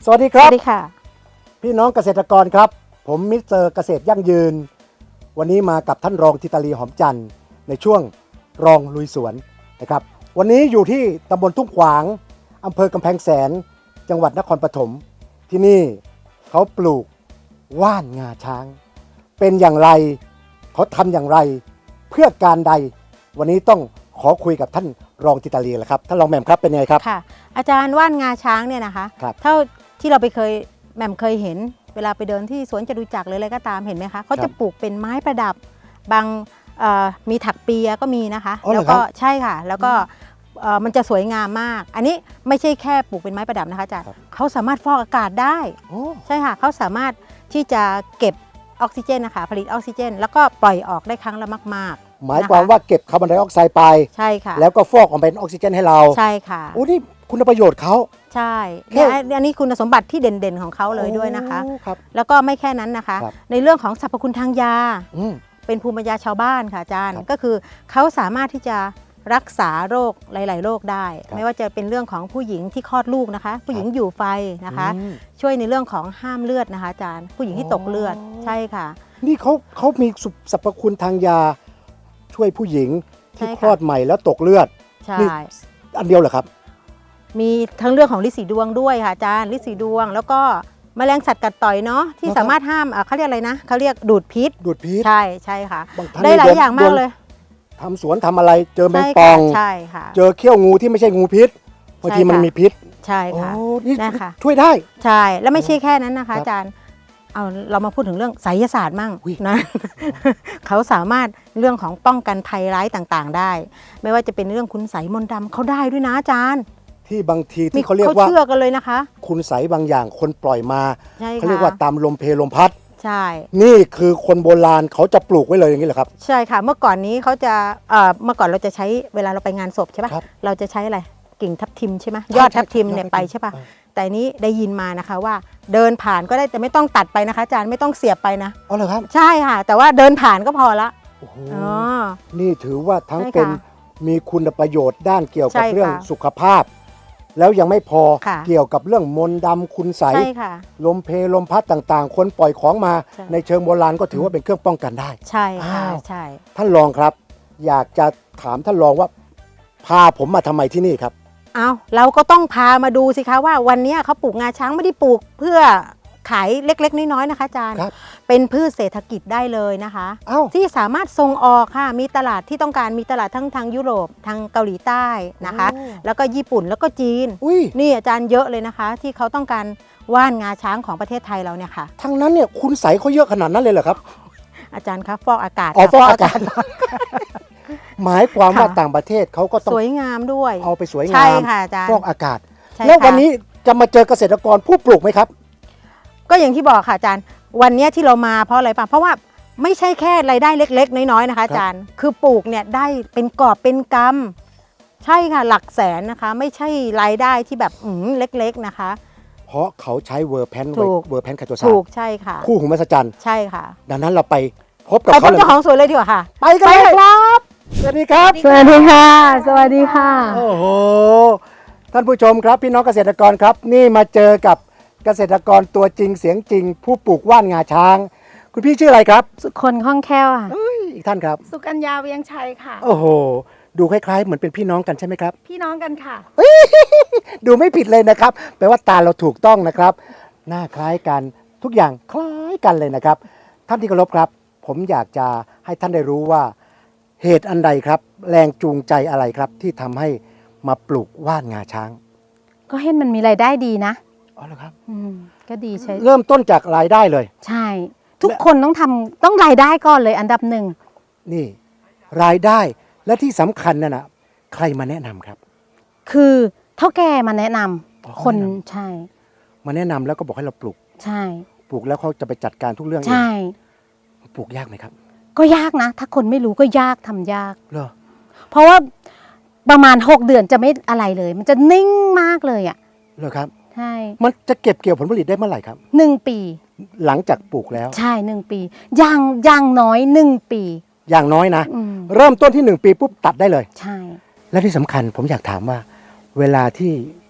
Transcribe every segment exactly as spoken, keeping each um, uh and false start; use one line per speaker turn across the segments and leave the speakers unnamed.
สวัสดีครับ
สวัสดีค่ะ
พี่น้องเกษตรกรครับผมมิสเตอร์เกษตรยั่งยืนวันนี้มากับท่านรองธิตาลีหอมจันทร์ในช่วงรองลุยสวนนะครับวันนี้อยู่ที่ตำบลทุ่งขวางอำเภอกำแพงแสนจังหวัดนครปฐมที่นี่เขาปลูกว่านงาช้าง เป็นอย่างไรเขาทำอย่างไรเพื่อการใดวันนี้ต้องขอคุยกับท่านรองธิตาลีแหละครับท่านรองแหม่มครับเป็นไงครับ
ค่ะอาจารย์ว่านงาช้างเนี่ยนะคะเท่าที่เราไปเคยแหม่มเคยเห็นเวลาไปเดินที่สวนจตุจักรหรืออะไรก็ตามเห็นไหมคะเขาจะปลูกเป็นไม้ประดับบางมีถักเปียก็มีนะคะแล้วก็ใช่ค่ะแล้วก็มันจะสวยงามมากอันนี้ไม่ใช่แค่ปลูกเป็นไม้ประดับนะคะอาจารย์เขาสามารถฟอกอากาศได้ใช่ค่ะเขาสามารถที่จะเก็บออกซิเจนนะคะผลิตออกซิเจนแล้วก็ปล่อยออกได้ครั้งละมากๆ
หมายความว่าเก็บคาร์บอนไดออกไซด์ไป
ใช่ค่ะ
แล้วก็ฟอกออกเป็นออกซิเจนให้เรา
ใช่ค่ะ
โอ้นี่คุณประโยชน์เขา
ใช่เนี่ยอันนี้คุณสมบัติที่เด่นๆของเขาเลยด้วยนะคะแล้วก็ไม่แค่นั้นนะคะในเรื่องของสรรพคุณทางยาเป็นภูมิปัญญาชาวบ้านค่ะอาจารย์ก็คือเขาสามารถที่จะรักษาโรคหลายๆโรคได้ไม่ว่าจะเป็นเรื่องของผู้หญิงที่คลอดลูกนะคะผู้หญิงอยู่ไฟนะคะช่วยในเรื่องของห้ามเลือดนะคะอาจารย์ผู้หญิงที่ตกเลือดใช่ค่ะ
นี่เขาเขามีสรรพคุณทางยาช่วยผู้หญิงที่คลอดใหม่แล้วตกเลือด
ใช่
อันเดียวเหรอครับ
มีทั้งเรื่องของฤทธิ์สีดวงด้วยค่ะอาจารย์ฤทธิ์สีดวงแล้วก็แมลงสัตว์กัดต่อยเนาะที่สามารถห้ามเขาเรียกอะไรนะเขาเรียกดูดพิษ
ดูดพิษ
ใช่ใช่ค่ะได้หลายอย่างมากเลย
ทำสวนทำอะไรเจอแมงป่อง
ใช่ค่ะ
เจอเขี้ยวงูที่ไม่ใช่งูพิษบางทีมันมีพิษ
ใช่ค่ะ
นี่ช่วยได้
ใช่แล้วไม่ใช่แค่นั้นนะคะอาจารย์เอาเรามาพูดถึงเรื่องไสยศาสตร์มั่งนะเขาสามารถเรื่องของป้องกันภัยร้ายต่างๆได้ไม่ว่าจะเป็นเรื่องคุณไสมนต์ดำเขาได้ด้วยนะอาจารย์
ที่บางทีที่เขาเรียกว่า
เขาเชื่อกันเลยนะคะ
คุณไสบางอย่างคนปล่อยมาเขาเรียกว่าตามลมเพลลมพัด
ใช่
นี่คือคนโบราณเขาจะปลูกไว้เลยอย่างนี้เหรอครับ
ใช่ค่ะเมื่อก่อนนี้เขาจะเอ่อเมื่อก่อนเราจะใช้เวลาเราไปงานศพใช่ป่ะเราจะใช้อะไรกิ่งทับทิมใช่ไหมยอดทับทิมเนี่ยไปใช่ป่ะแต่นี้ได้ยินมานะคะว่าเดินผ่านก็ได้แต่ไม่ต้องตัดไปนะคะอาจารย์ไม่ต้องเสียบไปนะ
อ๋อเหรอครับ
ใช่ค่ะแต่ว่าเดินผ่านก็พอละ
อ๋อนี่ถือว่าทั้งเป็นมีคุณประโยชน์ด้านเกี่ยวกับเรื่องสุขภาพแล้วยังไม่พอเกี่ยวกับเรื่องมนต์ดำคุณใสลมเพลลมพัดต่างๆคนปล่อยของมาในเชิงโบราณก็ถือว่าเป็นเครื่องป้องกันได้
ใช่ค่ะใช่
ท่านรองครับอยากจะถามท่านรองว่าพาผมมาทำไมที่นี่ครับ
เอาเราก็ต้องพามาดูสิคะว่าวันนี้เขาปลูกงาช้างไม่ได้ปลูกเพื่อขายเล็กๆน้อยๆนะคะอาจารย์เป็นพืชเศรษฐกิจได้เลยนะคะที่สามารถส่งออกค่ะมีตลาดที่ต้องการมีตลาดทั้งทางยุโรปทางเกาหลีใต้นะคะแล้วก็ญี่ปุ่นแล้วก็จีนนี่อาจารย์เยอะเลยนะคะที่เขาต้องการว่านงาช้างของประเทศไทยเราเนี่ยค่ะ
ทั้งนั้นเนี่ยคุณใสเขาเยอะขนาดนั้นเลยเหรอครับ
อาจารย์คะฟอกอากาศ
อ๋อฟอกอากาศหมายความว่าต่างประเทศเขาก็ต้อง
สวยงามด้วย
เอาไปสวยงาม
ใช่ค่ะอาจารย์
ฟอกอากาศแล้ววันนี้จะมาเจอเกษตรกรผู้ปลูกไหมครับ
ก็อย่างที่บอกค่ะอาจารย์วันนี้ที่เรามาเพราะอะไรป่ะเพราะว่าไม่ใช่แค่รายได้เล็กๆน้อยๆนะคะอาจารย์คือปลูกเนี่ยได้เป็นกอบเป็นกำใช่ค่ะหลักแสนนะคะไม่ใช่รายได้ที่แบบอืมเล็กๆนะคะ
เพราะเขาใช้เวอร์แพนเวอร์แพนคาโตซา
ถูกใช่ค่ะ
คู่หูมหัศจรรย์
ใช่ค่ะ
ดังนั้นเราไปพบกับ
เขาเลยเจ้าของสวนเลยดีกว่าค่ะ
ไปกันเลยครับสวัสดีครับ
สวัสดีค่ะสวัสดีค่ะ
โอ้โหท่านผู้ชมครับพี่น้องเกษตรกรครับนี่มาเจอกับเกษตรกรตัวจริงเสียงจริงผู้ปลูกว่านงาช้างคุณพี่ชื่ออะไรครับ
สุคนคล่องแคล่วค่ะ
อีกท่านครับ
สุกัญญาเวียงชัยค่ะ
โอ้โหดูคล้ายๆเหมือนเป็นพี่น้องกันใช่ไหมครับ
พี่น้องกันค่ะ
ดูไม่ผิดเลยนะครับแปลว่าตาเราถูกต้องนะครับหน้าคล้ายกันทุกอย่างคล้ายกันเลยนะครับท่านที่เคารพครับผมอยากจะให้ท่านได้รู้ว่าเหตุอันใดครับแรงจูงใจอะไรครับที่ทำให้มาปลูกว่านงาช้าง
ก็เห็นมันมีรายได้ดีนะ
อ๋อเหรอครับ
อืมก็ดีใช่
เริ่มต้นจากรายได้เลย
ใช่ทุกคนต้องทำต้องรายได้ก่อนเลยอันดับหนึ่ง
นี่รายได้และที่สำคัญน่ะนะใครมาแนะนำครับ
คือเท่าแก่มาแนะนำคนใช่
มาแนะนำแล้วก็บอกให้เราปลูก
ใช่
ปลูกแล้วเขาจะไปจัดการทุกเรื่อง
ใช่
ปลูกยากไหมครับ
ก็ยากนะถ้าคนไม่รู้ก็ยากทำยาก
เหรอ
เพราะว่าประมาณหกเดือนจะไม่อะไรเลยมันจะนิ่งมากเลยอ่ะ
เหรอครับ
ใช่
มันจะเก็บเกี่ยวผลผลิตได้เมื่อไหร่ครับ
หนึ่งปี
หลังจากปลูกแล้ว
ใช่หนึ่งปีอย่างอย่างน้อยหนึ่งปี
อย่างน้อยนะเริ่มต้นที่หนึ่งปีปุ๊บตัดได้เลย
ใช่
และที่สำคัญผมอยากถามว่าเวลาที่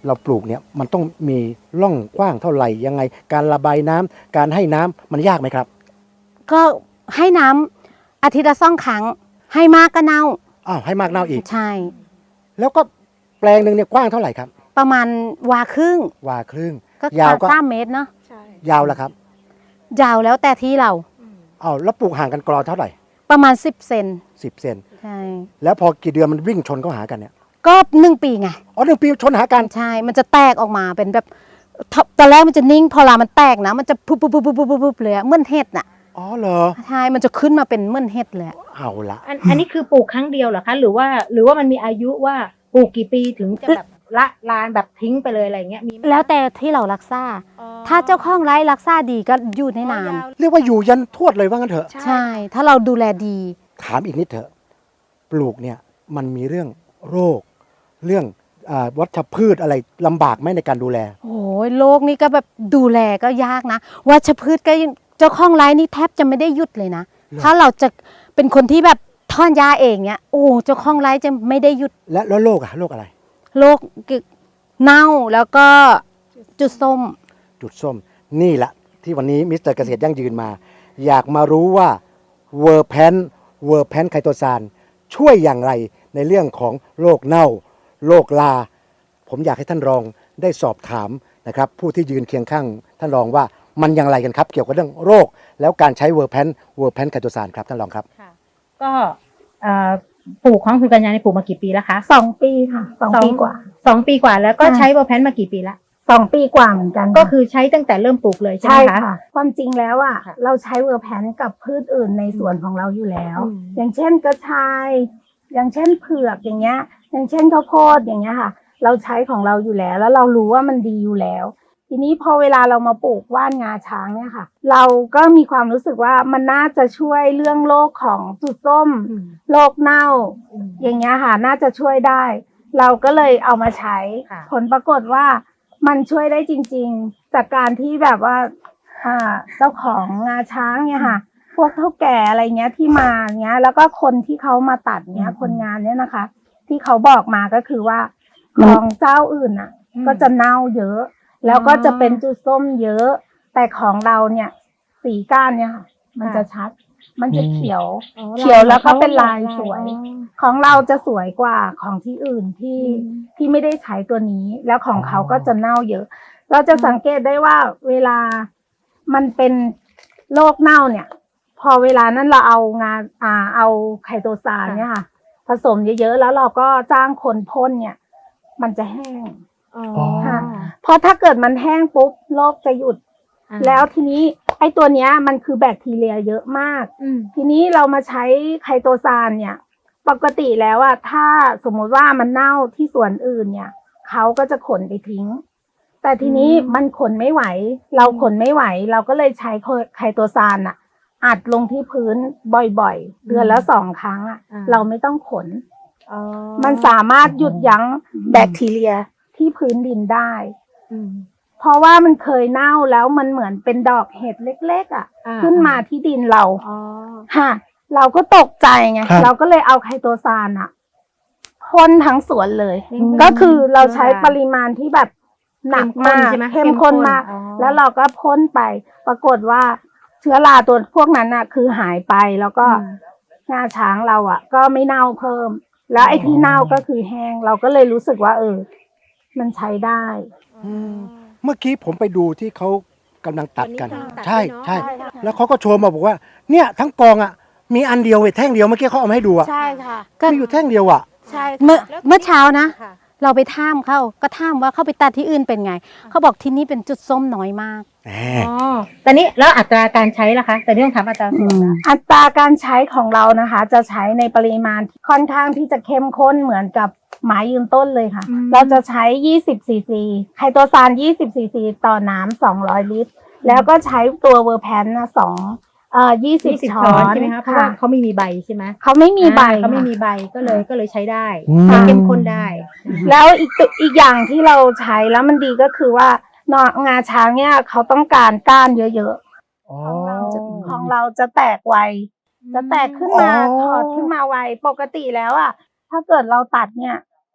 เราปลูกเนี่ยมันต้องมีร่องกว้างเท่าไหร่ยังไง การระบายน้ำการให้น้ำมันยากไหมครับ
ก็ให้น้ำอาทิตย์ละสองครั้ง ให้มากก็เน่า
อ้าวให้มากเน่าอีก
ใช่
แล้วก็แปลงหนึ่งเนี่ยกว้างเท่าไหร่ครับ
ประมาณวาครึ่ง
วาครึ่ง
ก็
ยาวก็
สามเมตรเนาะ
ใช่
ยาวแล้วครับ
ยาวแล้วแต่ที่เรา
อ้าวแล้วปลูกห่างกันกรอเท่าไหร่
ประมาณสิบเซน
สิบเซน
ใช่
แล้วพอกี่เดือนมันวิ่งชนเข้าหากันเนี่ย
ก็หนึ่งปีไง
อ๋อหนึ่งปีชนหากัน
ใช่ มันจะแตกออกมาเป็นแบบทตอนแรกมันจะนิ่ง พอเวลามันแตกนะ มันจะปุ๊บปุ๊บปุ๊บปุ๊บปุ๊บปุ๊บเลยอะเหมือนเห็ดน่ะ
อ๋อเหรอ
ใช่ มันจะขึ้นมาเป็นเหมือนเห็ดเลยอะ
เอาละ
อันอันนี้คือปลูกครั้งเดียวเหรอคะ หรือว่าหรือว่ามันมีอายุว่าปลูกกี่ปีถึงจะแบบละลานแบบทิ้งไปเลยอะไรเงี้ยมีไหม
แล้วแต่ที่เรารักษา
อ๋อ
ถ้าเจ้าของไร่รักษาดีก็อยู่ได้นาน
อ๋อยาว
เรียกว่าอยู่ยันทวดเลยว่างั้นเถอะ
ใช่ ถ้าเราดูแลดี
ถามอีกนิดเถอะ ปลูกเนี่ยมันมีเรื่องโรค เรื่องอาวัชพืชอะไรลำบากไหมในการดูแล
โอ้ยโลกนี้ก็แบบดูแลก็ยากนะวัชพืชก็ยังเจ้าของไร่นี่แทบจะไม่ได้หยุดเลยนะ
หรอ
ถ้าเราจะเป็นคนที่แบบทอนยาเองเนี่ยโอ้เจ้าของไร่จะไม่ได้หยุด
และแล้วโรคอะโรคอะไร
โรคเน่าแล้วก็จุดส้ม
จุดส้มนี่แหละที่วันนี้มิสเตอร์เกษตรยั่งยืนมา อยากมารู้ว่าเวอร์แพนเวอร์แพนไคโตซานช่วยอย่างไรในเรื่องของโรคเน่าโรคลา ผมอยากให้ท่านรองได้สอบถามนะครับผู้ที่ยืนเคียงข้างท่านรองว่ามันอย่างไรกันครับ เกี่ยวกับเรื่องโรค แล้วการใช้เวอร์แพนเวอร์แพนไคโตซานครับท่านรองครับ
ค่ะก็เอ่อปลูกของคุณกัญญาในปลูกมากี่ปีแล้วคะ
สองปีค่ะสองปีกว่า
สองปีกว่าแล้วก็
ค่ะ
ใช้เวอร์แพนมากี่ปีละ
สองปีกว่าเหมือนกัน
ก็คือใช้ตั้งแต่เริ่มปลูกเลยใช่ไห
ใช่
มคะ
ค่ะ ความจริงแล้วอ่ะ
ค่ะ
เราใช้เวอร์แพนกับพืชอื่นในสวนของเราอยู่แล้ว
อืม
อย่างเช่นกระชาย อย่างเช่นเผือกอย่างเงี้ย อย่างเช่นข้าวโพดอย่างเงี้ยค่ะ เราใช้ของเราอยู่แล้ว แล้วเรารู้ว่ามันดีอยู่แล้ว ทีนี้พอเวลาเรามาปลูกว่านงาช้างเนี่ยค่ะ เราก็มีความรู้สึกว่ามันน่าจะช่วยเรื่องโรคของจุดส้ม
อืม
โรคเน่า
อืม
อย่างเงี้ยค่ะ น่าจะช่วยได้ เราก็เลยเอามาใช้
ค่ะ
ผลปรากฏว่ามันช่วยได้จริงๆ จากการที่แบบว่าอ่าเจ้าของงาช้างเนี่ยค่ะ พวกเฒ่าแก่อะไรเงี้ยที่มาเงี้ย แล้วก็คนที่เขามาตัดเนี้ย คนงานเนี่ยนะคะ ที่เขาบอกมาก็คือว่าของเจ้าอื่นอ่ะ
อืม
ก็จะเน่าเยอะ แล้วก็จะเป็นจุดส้มเยอะ แต่ของเราเนี่ย สีก้านเนี่ยค่ะ มันจะชัด มันจะเขียว
อ๋อ
เขียวแล้วก็เป็นลาย
ล
สวย
อ๋อ
ของเราจะสวยกว่าของที่อื่นที่
อืม
ที่ไม่ได้ใช้ตัวนี้ แล้วของเขา
อ๋อ
ก็จะเน่าเยอะ เราจะสังเกตได้ว่าเวลามันเป็นโรคเน่าเนี่ย พอเวลานั้นเราเอางานอ่าเอาไคโตซานเนี่ยค่ะ ผสมเยอะๆแล้วเราก็จ้างคนพ่นเนี่ย มันจะแห้ง
อ๋อ
ค่ะ เพราะถ้าเกิดมันแห้งปุ๊บโรคจะหยุด
อ่า
แล้วทีนี้ไอ้ตัวเนี้ยมันคือแบคทีเรียเยอะมาก
อืม
ทีนี้เรามาใช้ไคโตซานเนี่ย ปกติแล้วอะถ้าสมมุติว่ามันเน่าที่ส่วนอื่นเนี่ยเขาก็จะขนไปทิ้ง แต่ทีนี้
อืม
มันขนไม่ไหว เราขนไม่ไหว เราก็เลยใช้ไคโตซานอะอัดลงที่พื้นบ่อยๆ เดือนละสองครั้งอะ
อ่า
เราไม่ต้องขน
อ๋อ
มันสามารถหยุดยั้งแบคทีเรียที่พื้นดินได้
อืม
เพราะว่ามันเคยเน่าแล้วมันเหมือนเป็นดอกเห็ดเล็กๆอะ
อ่า
ขึ้นมาที่ดินเรา
อ๋อ
ค่ะ เราก็ตกใจไง
ครับ
เราก็เลยเอาไคโตซานอะพ่นทั้งสวนเลย
อืม
ก็คือเราใช้
ค่ะ
ปริมาณที่แบบหนักมาก
เข้มข้นใช่ไหม
เข้มข้นมาก
เข้มข้นอ๋อ
แล้วเราก็พ่นไป ปรากฏว่าเชื้อราตัวพวกนั้นอะคือหายไป แล้วก็
อืม
งาช้างเราอะก็ไม่เน่าเพิ่ม แล้วไอ้ที่เน่าก็คือแห้ง เราก็เลยรู้สึกว่า เออ มันใช้ได้
อืมเมื่อกี้ผมไปดูที่เขากำลังตัดกัน
วันนี้กำลังตัด
ใช่
ด้วยเนอะ
ใช่
ใช่ค่ะ
แล้วเขาก็โชว์มาบอกว่า เนี่ยทั้งกองอ่ะ มีอันเดียวเว้ยแท่งเดียวเมื่อกี้เขาเอามาให้ดูอ่ะ
ใช่ค่ะ
ก็
มีอยู่แท่งเดียวอ่ะ
ใช่
เมื่อ
ค่ะ
เมื่อเช้านะ
ค่ะ
เราไปท่ามเขาก็ท่ามว่าเขาไปตัดที่อื่นเป็นไง เขาบอกที่นี่เป็นจุดส้มน้อยมาก
แหม
อ๋อแต่นี้แล้วอัตราการใช้ล่ะคะแต่นี่ต้องถามอัตราส่วนละ
อัตราการใช้ของเรานะคะ จะใช้ในปริมาณที่ค่อนข้างที่จะเข้มข้นเหมือนกับไม้ยืนต้นเลยค่ะ
อืม
เราจะใช้ยี่สิบซีซีไคโตซานยี่สิบซีซีต่อน้ำสองร้อยลิตร แล้วก็ใช้ตัวเวอร์แพนนะสองเอ่อยี่สิบ
ยี่สิบ
ช้
ช้
อ
อน
น
ใช่ไหมคะเพราะว่าเขาไม่มีใบใช่ไหม
เขาไม่มีใบ
อ่าเขาไม่
ค่ะ
มีใบก็เลยก็เลยใช้ได้
อืม
ใช้เข้มข้นได้
แล้วอีกตัวอีกอย่างที่เราใช้แล้วมันดีก็คือว่านองาช้างเนี่ยเขาต้องการก้านเยอะๆ
อ๋อ
ของเราจะของเราจะแตกไว จะแตกขึ้นมา
อ๋อ
ถอดขึ้นมาไว ปกติแล้วอ่ะ ถ้าเกิดเราตัดเนี่ย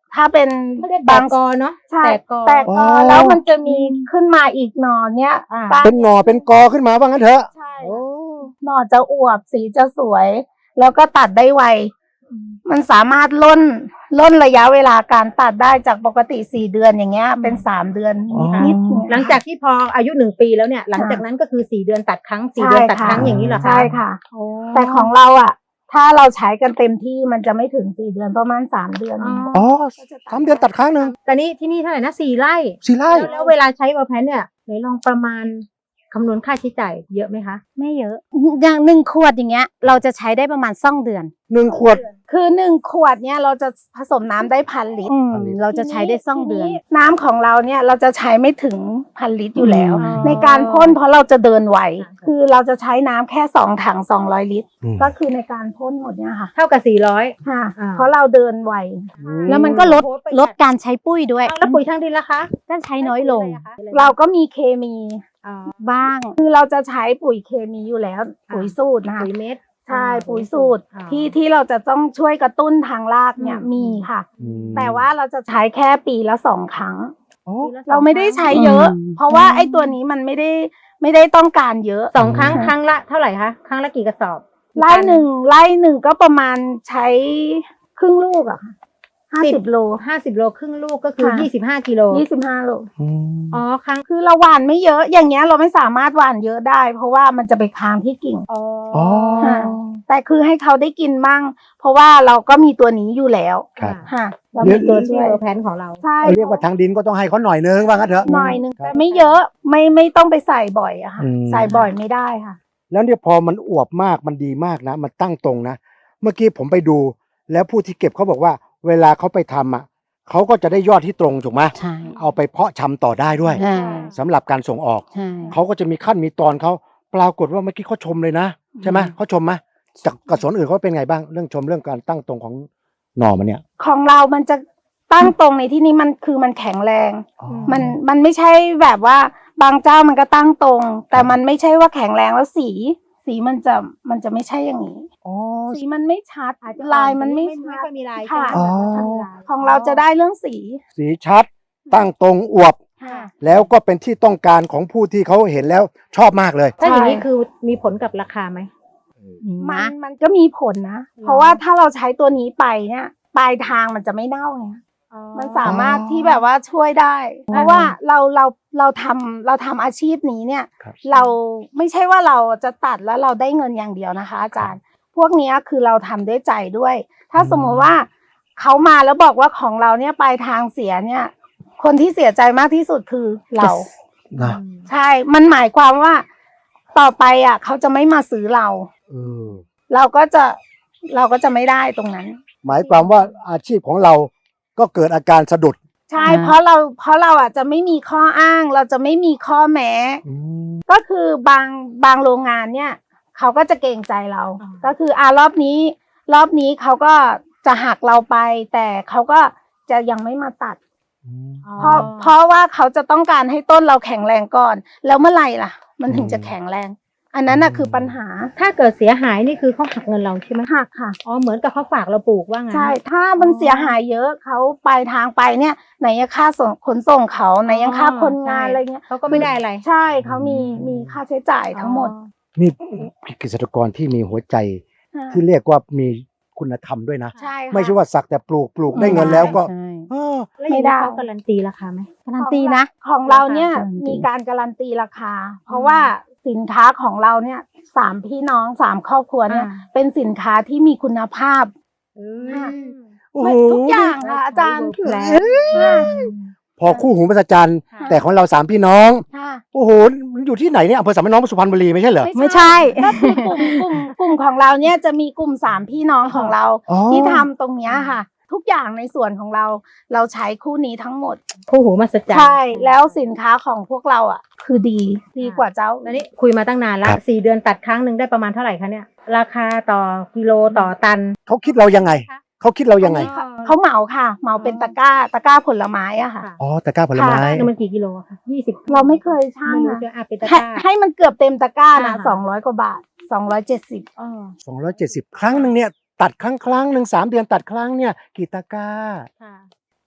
ถ้าเป็น
เขาเรียก
บา
บาง งกอเนาะ
ใช่
แตกกอ
แตกกอแล้วมันจะมีขึ้นมาอีกหน่อเนี้ย
อ่า
บาง
เป็นหน่อเป็นกอขึ้นมาว่างั้นเถอะ
ใช่
โอ้
หน่อจะอวบสีจะสวย แล้วก็ตัดได้ไว มันสามารถล่นล่นระยะเวลาการตัดได้จากปกติสี่เดือนอย่างเงี้ย เป็นสามเดือนนิดๆเนี่ย
หลังจากที่พออายุหนึ่งปีแล้วเนี่ย หลังจากนั้นก็คือสี่เดือนตัดครั้งสี่
ใช่
เดือนตัด
ค่ะ
ครั้งอย่างนี้เหรอคะ
ใช่ค่ะ
โอ้
แต่ของเราอ่ะ ถ้าเราใช้กันเต็มที่มันจะไม่ถึงสี่เดือนประมาณสามเดือน
อ๋อ
อ๋อสามเดือนตัดครั้งหนึ่ง
แต่นี่ที่นี่เท่าไหร่นะสี่ไร่
สี่ไร่
แล้วแล้วเวลาใช้เวอร์แพนเนี่ยไหนลองประมาณคำนวณค่าใช้จ่ายเยอะไหมคะ
ไม่เยอะ อย่างหนึ่งขวดอย่างเงี้ย เราจะใช้ได้ประมาณสองเดือน
หนึ่งขวด
คือหนึ่งขวดเนี่ยเราจะผสมน้ำได้พันลิตร
อืม
พันลิตร
เราจะใช้ได้สองเดือน
ทีน้ำของเราเนี่ยเราจะใช้ไม่ถึงพันลิตรอยู่แล้ว
อ๋อ
ในการพ่นเพราะเราจะเดินไหวคือเราจะใช้น้ำแค่สองถังสองร้อยลิตร
อืม
ก็คือในการพ่นหมดเนี่ยค่ะ
เท่ากับสี่ร้อย
ค่ะ
อ่า
เพราะเราเดินไหว
แล้วมันก็ลด
โอ้โหประหยัด
ลดการใช้ปุ้ยด้วย
เอาแล้วปุ๋ยทางดินล่ะคะ
ก็ใช้น้อยลง
เราก็มีเคมี
อ๋อ
บ้าง
คือเราจะใช้ปุ๋ยเคมีอยู่แล้ว ปุ๋ยสูตรนะคะ
ปุ๋ยเม็ด
ใช่
อ่า
ปุ๋ยสูตร
อ่า
ที่ที่เราจะต้องช่วยกระตุ้นทางรากเนี่ย
อืม
มีค่ะ
อืม
แต่ว่าเราจะใช้แค่ปีละสองครั้ง
อ๋อ
ปีละสอง
เราไม่ได้ใช้
ครั้ง
เยอะ
อืม
เพราะว่าไอ้ตัวนี้มันไม่ได้ไม่ได้ต้องการเยอะ
สองครั้ง
อืม
ครั้งละเท่าไหร่คะครั้งละกี่กระสอบ
ไล่หนึ่งไล่หนึ่งก็ประมาณใช้ครึ่งลูกอะค่ะห้าสิบโล
ห้าสิบโลครึ่งลูกก็คือ
ค่ะ
ยี่สิบห้ากิโล
ยี่สิบห้าโล
อืม
อ๋อครั้ง
คือเราหว่านไม่เยอะ อย่างเงี้ยเราไม่สามารถหว่านเยอะได้ เพราะว่ามันจะไปค้างที่กิ่ง
อ๋อ
อ๋อ
ค่ะ แต่คือให้เขาได้กินบ้าง เพราะว่าเราก็มีตัวนี้อยู่แล้ว
ครับ
ค่ะเรา
เดี๋
มี
ยว
ตัว
ที่
ช่วย
เวอร์แพนของเรา
ใช่
เรียกว่าทางดินก็ต้องให้เขาหน่อยนึงว่างั้นเถอะ
หน่อยหนึง
ครับ
แต่ไม่เยอะไม่ไม่ต้องไปใส่บ่อยอะค่ะ
อืม
ใส่บ่อยไม่ได้ค่ะ
แล้วเนี่ยพอมันอวบมากมันดีมากนะ มันตั้งตรงนะ เมื่อกี้ผมไปดู แล้วผู้ที่เก็บเขาบอกว่า เวลาเขาไปทำอ่ะเขาก็จะได้ยอดที่ตรงถูกไหม
ใช่
เอาไปเพาะชำต่อได้ด้วย
ใช่
สำหรับการส่งออก
ใช่
เขาก็จะมีขั้นมีตอนเขาปรากฏว่าเมื่อกี้เขาชมเลยนะใช่ไหม
อืม
เขาชมไหมจากกระสวนอื่นเขาเป็นไงบ้างเรื่องชมเรื่องการตั้งตรงของหน่อมันเนี่ย
ของเรามันจะตั้งตรงในที่นี้มันคือมันแข็งแรง
อ๋อ
มันมันไม่ใช่แบบว่าบางเจ้ามันก็ตั้งตรง แต่มันไม่ใช่ว่าแข็งแรงแล้วสี สีมันจะมันจะไม่ใช่อย่างนี้
อ๋อ
สีมันไม่ชัด
อาจจะ
ลายมันไม่
ไม่
ชั
ไม่
ด
ค่อยมีลาย
ค่ะ
ใช่ไหม
อ๋อ
แบบไม่ค่อยมีลาย
ของเราจะได้เรื่องสี
สีชัด ตั้งตรงอวบ
ค่ะ
แล้วก็เป็นที่ต้องการของผู้ที่เขาเห็นแล้วชอบมากเลย
ถ้าอย่างนี้
ใช่
คือมีผลกับราคาไหม
มั
นะ
นมันก็มีผลนะ เพราะว่าถ้าเราใช้ตัวนี้ไปเนี่ยปลายทางมันจะไม่เน่าไงมันสามารถที่แบบว่าช่วยได้ เพราะว่าเราเราเราทำเราทำอาชีพนี้เนี่ย
ครับ
เราไม่ใช่ว่าเราจะตัดแล้วเราได้เงินอย่างเดียวนะคะ อาจารย์ พวกเนี้ยคือเราทำด้วยใจด้วย ถ้าสมมุติว่าเขามาแล้วบอกว่าของเราเนี่ยปลายทางเสียเนี่ย คนที่เสียใจมากที่สุดคือเรา
นะ
ใช่ มันหมายความว่าต่อไปอ่ะเขาจะไม่มาซื้อเรา
เออ
เราก็จะเราก็จะไม่ได้ตรงนั้น
หมายความว่าอาชีพของเราก็เกิดอาการสะดุด
ใช่
อ่า
เพราะเราเพราะเราอ่ะจะไม่มีข้ออ้าง เราจะไม่มีข้อแม้
อืม
ก็คือบางบางโรงงานเนี่ยเขาก็จะเกรงใจเรา
อ่า
ก็คืออ่ารอบนี้ รอบนี้เขาก็จะหักเราไป แต่เขาก็จะยังไม่มาตัด เพราะเพราะว่าเขาจะต้องการให้ต้นเราแข็งแรงก่อน แล้วเมื่อไหร่ล่ะ มันถึงจะแข็งแรง อันนั้นน่ะคือปัญหา
ถ้าเกิดเสียหายนี่คือเขาหักเงินเราใช่ไหม
หักค่ะ
อ๋อเหมือนกับเขาฝากเราปลูกว่างั้น
ใช่ ถ้ามันเสียหายเยอะเขาปลายทางไปเนี่ย ไหนยังค่าส่งขนส่งเขาไหนยังค่าคนงานอะไรเงี้ย
เขาก็ไม่ได้อะไร
ใช่เขามีมีค่าใช้จ่ายทั้งหมด
นี่เกษตรกรที่มีหัวใจที่เรียกว่ามีคุณธรรมด้วยนะ
ใช่ค่ะ
ไม่ใช่ว่าสักแต่ปลูกปลูกได้
ไม่
เงิน
ได้
แล้วก็
ใช่
เออ
แล้วอย่างนี้เขาการันตีราคาไหม
การันตีนะ
ของเราเนี่ย
ราคาการันตี
มีการการันตีราคา เพราะว่าสินค้าของเราเนี่ยสามพี่น้องสามครอบครัวเนี่ย
อ่า
เป็นสินค้าที่มีคุณภาพ ค่ะ
โอ้
ไม่
โห
ทุกอย่างค่ะอาจารย์
แล้ว
ค่ะ
พอคู่หูมหัศจรรย์
ค่ะ
แต่ของเราสามพี่น้อง
ค่ะ
โอ้โหมันอยู่ที่ไหนเนี่ยอำเภอสามพี่น้องสุพรรณบุรีไม่ใช่เหรอ
ไม่ใช่
ก็คือกลุ่มกลุ่มกลุ่มของเราเนี่ยจะมีกลุ่มสามพี่น้องของเรา
อ๋อ
ที่ทำตรงเนี้ยค่ะ ทุกอย่างในส่วนของเรา เราใช้คู่นี้ทั้งหมด
คู่หูมหัศจรรย์
ใช่ แล้วสินค้าของพวกเราอ่ะ คือดีดีกว่าเจ้า
แล้วนี่คุยมาตั้งนานละสี่เดือนตัดครั้งหนึ่งได้ประมาณเท่าไหร่คะเนี่ย ราคาต่อกิโลต่อตัน
เขาคิดเรายังไง เขาคิดเรายังไง
เขาเขาเหมาค่ะ เหมาเป็นตะกร้า ตะกร้าผลไม้อะค่ะ
อ๋อตะกร้าผลไม้
นี่มันกี่กิโลคะยี่สิบ
เราไม่เคยช่าง
ไม่รู้
นะ
จะอาเป็นตะก
ให้
ร้า
ให้มันเกือบเต็มตะกร้านะ
อ่า
สองร้อยกว่าบาทสองร้อยเจ็ดสิบ
อ๋อ
สองร้อยเจ็ดสิบครั้งหนึ่งเนี่ยตัดครั้งครั้งหนึ่งสามเดือนตัดครั้งเนี่ยกี่ตะกร้า
ค่ะ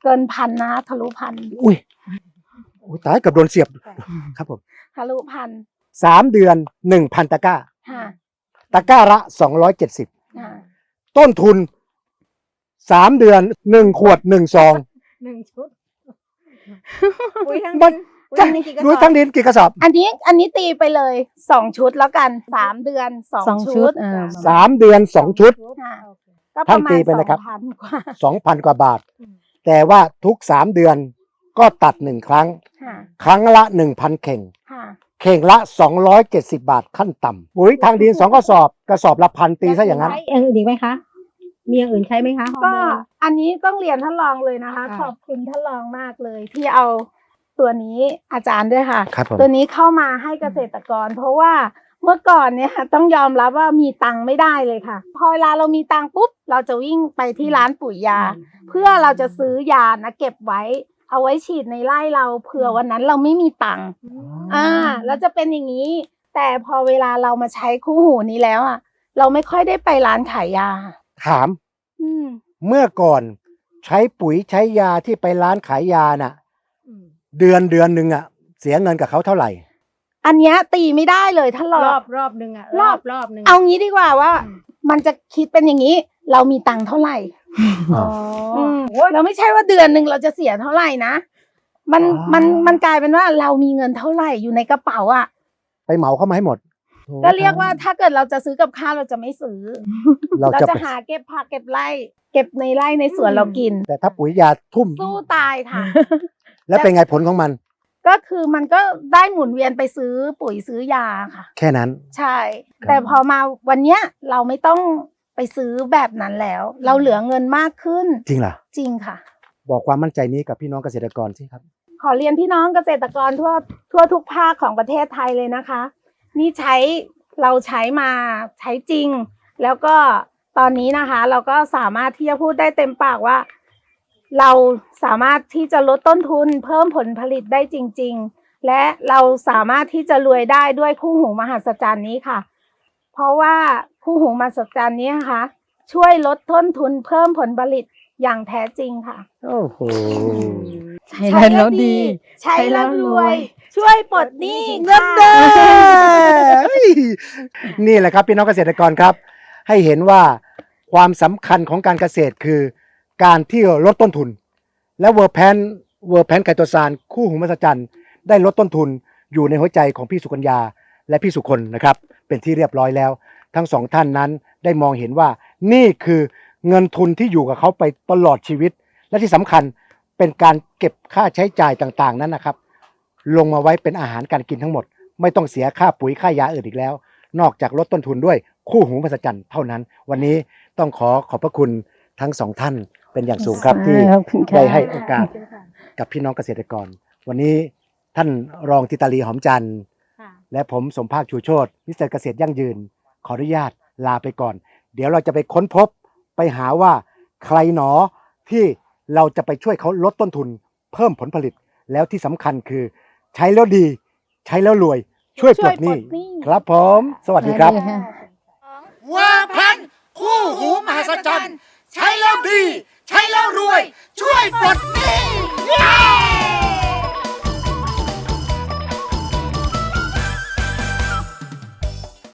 เกินพันนะทะลุพัน
อุ้ยอุ้ยตายเกับโดนเสียบครับผม
ทะลุพัน
สามเดือนหนึ่งพันตะกร้า
ค่ะ
ตะกร้าละสองร้อยเจ็ดสิบ
ค่ะ
ต้นทุนสามเดือนหนึ่งขวดหนึ่งซอง
หนึ่งชุด
ปุ๋ยทั้ง
มัน
ปุ๋ยทั้งนี้กี่กระ
ดู
สอบ
ทั้งดินกี่กระสอบ
อันนี้อันนี้ตีไปเลยสองชุดแล้วกันสามเดือนสอง
สองชุ
ชุ
ด
ด
เออ
สามเดือนสองชุด
ค่ะก็ป
ท่าน
ระมา
ตี
ณ
ไปนะครับ
สองพันกว่า
สองพันกว่าบาท แต่ว่าทุกสามเดือนก็ตัดหนึ่งครั้ง
ค่ะ
ครั้งละหนึ่งพันเข่ง
ค่ะ
เข่งละสองร้อยเจ็ดสิบบาทขั้นต่ำปุ๋ยทางดินสองกระสอบกระสอบละพันตีซะอย่างนั้น
ใช้อย่างอื่นอีกไหมคะ มีอย่างอื่นใช้ไหมคะฮอร์
ก็
โมน
อันนี้ต้องเรียนท่านรองเลยนะคะ
ค่ะ
ขอบคุณท่านรองมากเลย ที่เอาตัวนี้อาจารย์ด้วยค่ะ
ครับผม
ตัวนี้เข้ามาให้เกษตรกร เพราะว่าเมื่อก่อนเนี่ยต้องยอมรับว่ามีตังค์ไม่ได้เลยค่ะ พอเวลาเรามีตังค์ปุ๊บเราจะวิ่งไปที่ร้านปุ๋ยยา เพื่อเราจะซื้อยานะเก็บไว้ เอาไว้ฉีดในไร่เราเผื่อวันนั้นเราไม่มีตังค์อ่าแล้วจะเป็นอย่างนี้ แต่พอเวลาเรามาใช้คู่หูนี้แล้วอ่ะ เราไม่ค่อยได้ไปร้านขายยา
ถาม
อืม
เมื่อก่อนใช้ปุ๋ยใช้ยาที่ไปร้านขายยาน่ะ เดือนเดือนหนึ่งอ่ะ เสียเงินกับเขาเท่าไหร่
อันเนี้ยตีไม่ได้เลยถ้าร ร
อ
อ
บบ รอบหนึ่งอะ
รอบ
รอบหนึ่ง
เอางี้ดีกว่าว่า มันจะคิดเป็นอย่างนี้ เรามีตังค์เท่าไหร่
อ๋อ
อืมเราไม่ใช่ว่าเดือนหนึ่งเราจะเสียเท่าไหร่นะ มัน
อ๋อ
มันมันกลายเป็นว่าเรามีเงินเท่าไหร่อยู่ในกระเป๋าอ่ะ
ไปเหมาเข้ามาให้หมด
ก็เรียกว่าถ้าเกิดเราจะซื้อกับข้าวเราจะไม่ซื้อ
เรา
เรา
จะ
จะ
ไป
หาเก็บผักเก็บไร่ เก็บในไร่ในสวนเรากิน
แต่ถ้าปุ๋ยยาทุ่ม
สู้ตายค่ะ
แล้วเป็นไงผลของมัน
ก็คือมันก็ได้หมุนเวียนไปซื้อปุ๋ยซื้อยาค่ะ
แค่นั้น
ใช่ แต่พอมาวันเนี้ยเราไม่ต้องไปซื้อแบบนั้นแล้ว เราเหลือเงินมากขึ้น
จริงเหรอ
จริงค่ะ
บอกความมั่นใจนี้กับพี่น้องเกษตรกรสิครับ
ขอเรียนพี่น้องเกษตรกรทั่วทั่วทุกภาคของประเทศไทยเลยนะคะ นี่ใช้เราใช้มาใช้จริง แล้วก็ตอนนี้นะคะ เราก็สามารถที่จะพูดได้เต็มปากว่า เราสามารถที่จะลดต้นทุนเพิ่มผลผลิตได้จริง ๆ และเราสามารถที่จะรวยได้ด้วยคู่หูมหัศจรรย์นี้ค่ะ เพราะว่าคู่หูมหัศจรรย์นี้นะคะ ช่วยลดต้นทุนเพิ่มผลผลิตอย่างแท้จริงค่ะ
โอ้โห
ใช้แล้วดี
ใช้แล้วรวย ช่วยปลดหนี้
เงินเด้นี่แหละครับพี่น้องเกษตรกรครับ ให้เห็นว่าความสำคัญของการเกษตรคือการที่ลดต้นทุน และเวอร์แพนเวอร์แพนไกโตซานคู่หูมหัศจรรย์ได้ลดต้นทุนอยู่ในหัวใจของพี่สุกัญญาและพี่สุคนนะครับ เป็นที่เรียบร้อยแล้ว ทั้งสองท่านนั้นได้มองเห็นว่านี่คือเงินทุนที่อยู่กับเขาไปตลอดชีวิต และที่สำคัญเป็นการเก็บค่าใช้จ่ายต่างๆนั้นนะครับ ลงมาไว้เป็นอาหารการกินทั้งหมด ไม่ต้องเสียค่าปุ๋ยค่ายาอื่นอีกแล้ว นอกจากลดต้นทุนด้วยคู่หูมหัศจรรย์เท่านั้น วันนี้ต้องขอขอบพระคุณทั้งสองท่านเป็นอย่างสูงครับที่
ขอบคุณค่ะ
ได้ให้โอกาสกับพี่น้องเกษตรกร วันนี้ท่านรองธิตาลีหอมจันทร์
ค่ะ
และผมสมภาคชูโชติมิสเตอร์เกษตรยั่งยืน ขออนุญาตลาไปก่อน เดี๋ยวเราจะไปค้นพบไปหาว่าใครหนอที่เราจะไปช่วยเขาลดต้นทุน เพิ่มผลผลิต แล้วที่สำคัญคือใช้แล้วดี ใช้แล้วรวย ช่วยปลดหนี้
ช่วยปลดหนี้
ครับผม สวัสดีครับ
เวอร์แพนคู่หูมหัศจรรย์ใช้แล้วดี ใช้แล้วรวย ช่วยปลดหนี้